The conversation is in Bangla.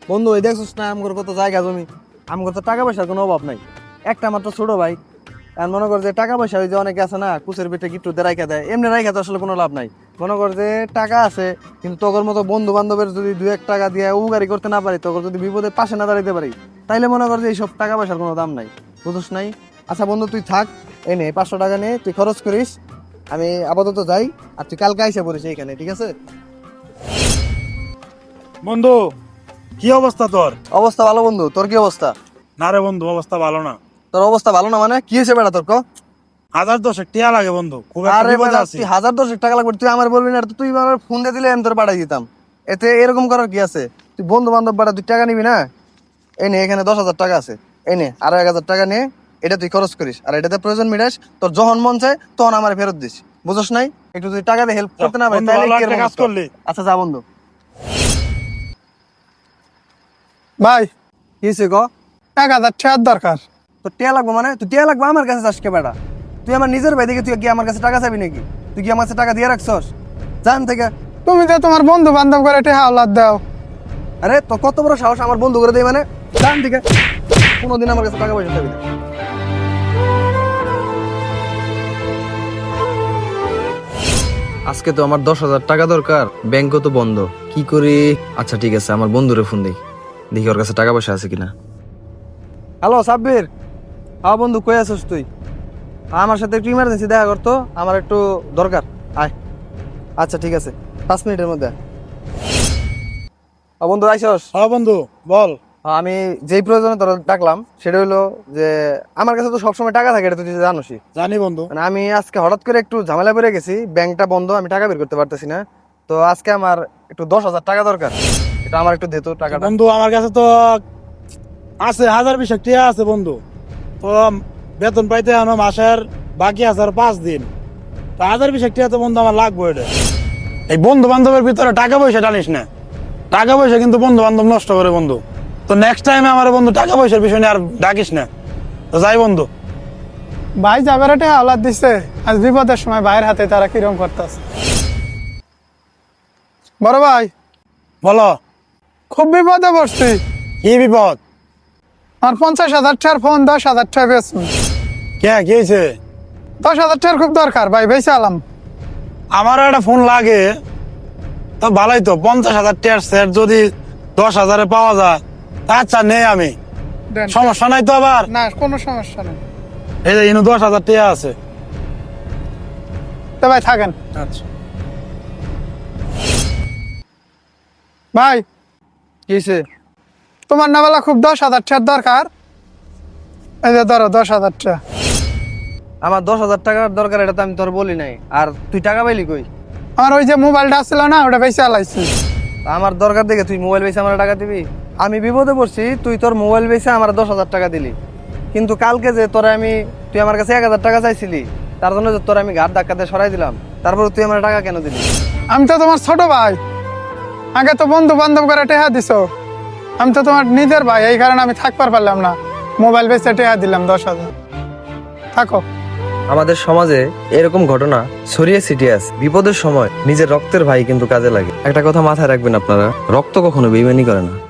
বন্ধু এই দেখছিস না আমগর কত জায়গা জমি, আমগর তো টাকা পয়সার কোনো অভাব নাই। একটা মাত্র ছোট ভাই, আর মনে কর যে টাকা পয়সা ওই যে অনেকে আছে না কুচের পেটে গিট্টুতে রাইখা দেয়, এমনি রাইখা তো আসলে কোনো লাভ নাই। মনে কর যে টাকা আছে কিন্তু তোর মতো বন্ধু বান্ধবের যদি 2-1 টাকা দিয়ে উপকারি করতে না পারি, তোর যদি বিপদের পাশে না দাঁড়াইতে পারি, তাইলে মনে কর যে এইসব টাকা পয়সার কোনো দাম নাই, বুঝছ নাই? আচ্ছা বন্ধু তুই থাক, এই নে 500 টাকা নিয়ে তুই খরচ করিস, আমি আপাতত যাই, আর তুই কালকে আইসা পড়িস এইখানে, ঠিক আছে? বন্ধু কি অবস্থা তোর? অবস্থা ভালো বন্ধু, তোর কি অবস্থা? না রে বন্ধু, অবস্থা ভালো না। তোর অবস্থা ভালো না মানে কি হয়েছে বেটা তোর? 1010 টিয়া লাগে বন্ধু, খুব একটা আরে বিপদে বেটা আছি। তুই 1010 টাকা লাগবে, তুই আমার বলবি না? তুই আমার ফোন দিয়ে দিলে আমি তোর পাঠাই দিতাম, এতে এরকম করার কি আছে? তুই বন্ধু বান্ধব বাড়া তুই টাকা নিবি না? এই নে এখানে 10,000 টাকা আছে, এই নে আরো 1,000 টাকা নে, এটা তুই খরচ করিস, আর এটাতে প্রয়োজন মিটাস, তোর যখন মন চায় তখন আমার ফেরত দিস, বুঝছ নাই? একটু তুই টাকা দিয়ে হেল্প করতে না পারি বন্ধু, তাহলে ভালো কি একটা এরকম কাজ হতো? করলি। আচ্ছা যা বন্ধু। ভাই কি হয়েছে ক? 1,000 টাকার দরকার। তোর টিয়া লাগবে মানে? তুই টিয়া লাগবে আমার কাছে চাস কে বেটা? তুই আমার নিজের ভাই দেখে তুই কি আমার কাছে টাকা চাবি নাকি? তুই কি আমার কাছে টাকা দিয়ে রাখছস জান থেকে? তুমি তো তোমার বন্ধু বান্ধব করে টাকা আওলাদ দাও। আরে তো কত বড় সাহস আমার বন্ধু করে দেয় মানে? জান থেকে কোনোদিন আমার কাছে টাকা পয়সা চাবি না। আজকে তো আমার 10,000 টাকা দরকার, ব্যাংকও তো বন্ধ, কি করি? আচ্ছা ঠিক আছে, আমার বন্ধুরে ফোন দিই, দেখি ওর কাছে টাকা পয়সা আছে কিনা। হ্যালো সাব্বির, হ্যাঁ বন্ধু কই আছিস তুই? আমার সাথে একটু ইমার্জেন্সি দেখা করতো, আমার একটু দরকার, আয়। আচ্ছা ঠিক আছে, 5 মিনিটের মধ্যে। বন্ধু আইসস? হ্যাঁ বন্ধু বল। আমি যেই প্রয়োজনে তোর ডাকলাম সেটা হলো যে আমার কাছে তো সবসময় টাকা থাকে, এটা তুই জানোসই। জানি বন্ধু। মানে আমি আজকে হঠাৎ করে একটু ঝামেলা পড়ে গেছি, ব্যাংকটা বন্ধ, আমি টাকা বের করতে পারতেছি না, তো আজকে আমার একটু 10,000 টাকা দরকার, এটা আমার একটু দে তো টাকাটা। বন্ধু আমার কাছে তো আছে 1020 টিয়া আছে বন্ধু, তো বেতন পাইতে আমার মাসের বাকি আছে আর 5 দিন, তো 1020 টিয়া তো বন্ধু আমার লাগবে। এটা এই বন্ধু বান্ধবের ভিতরে টাকা পয়সা টানিস না, টাকা পয়সা কিন্তু বন্ধু বান্ধব নষ্ট করে বন্ধু। তো নেক্সট টাইমে আমার বন্ধু টাকা পয়সার বিষয় নিয়ে আর ডাকিস না, তো যাই বন্ধু। ভাই যাবার টাকা আওলাদ দিচ্ছে, আজ বিপদের সময় ভাইয়ের হাতে তারা কিরম করতেছে। বড় ভাই বলো। খুব বিপদে পড়ছি। কি বিপদ? আমার 50,000 টাকার ফোন 10,000 টাকা বেচুন। কে কি হয়েছে? 10,000 টাকার খুব দরকার ভাই, বেঁচে আলাম। আমারও একটা ফোন লাগে, তো ভালোই তো 50,000 টাকার সেট যদি 10,000-এ পাওয়া যায়, তা আচ্ছা নেই আমি, দেন। সমস্যা নাই তো আবার। না কোনো সমস্যা নেই, এই যে ইনু 10,000 টাকা আছে। তো ভাই থাকেন। আচ্ছা ভাই কি হয়েছে? তোমার না বেলা খুব 10,000 টাকার দরকার, এই যে ধরো 10,000 টাকা। আমার 10,000 টাকার দরকার, এটা তো আমি তোর বলি নাই, আর তুই টাকা পাইলি কই? আমার ওই যে মোবাইলটা ছিল না, ওটা বেঁচে আলাইছি। আমার দরকার দেখে তুই মোবাইল বেচে আমার টাকা দিবি? আমি বিপদে পড়ছি, তুই তোর মোবাইল বেচে আমার 10,000 টাকা দিলি, কিন্তু কালকে যে তোরা তুই আমার কাছে 1,000 টাকা চাইছিলি, তার জন্য যে তোর আমি ঘাট ধাক্কাতে সরাই দিলাম, তারপর তুই আমার টাকা কেন দিলি? আমি তো তোমার ছোট ভাই, আগে তো বন্ধু বান্ধব করে টেহা দিছো, আমি তো তোমার নিজের ভাই, এই কারণে আমি থাকবার পারলাম না, মোবাইল বেচে টেহা দিলাম 10,000। থাকো। আমাদের সমাজে এরকম ঘটনা ছড়িয়ে ছিটিয়ে আছে, বিপদের সময় নিজের রক্তের ভাই কিন্তু কাজে লাগে। একটা কথা মাথায় রাখবেন আপনারা, রক্ত কখনো বেইমানি করে না।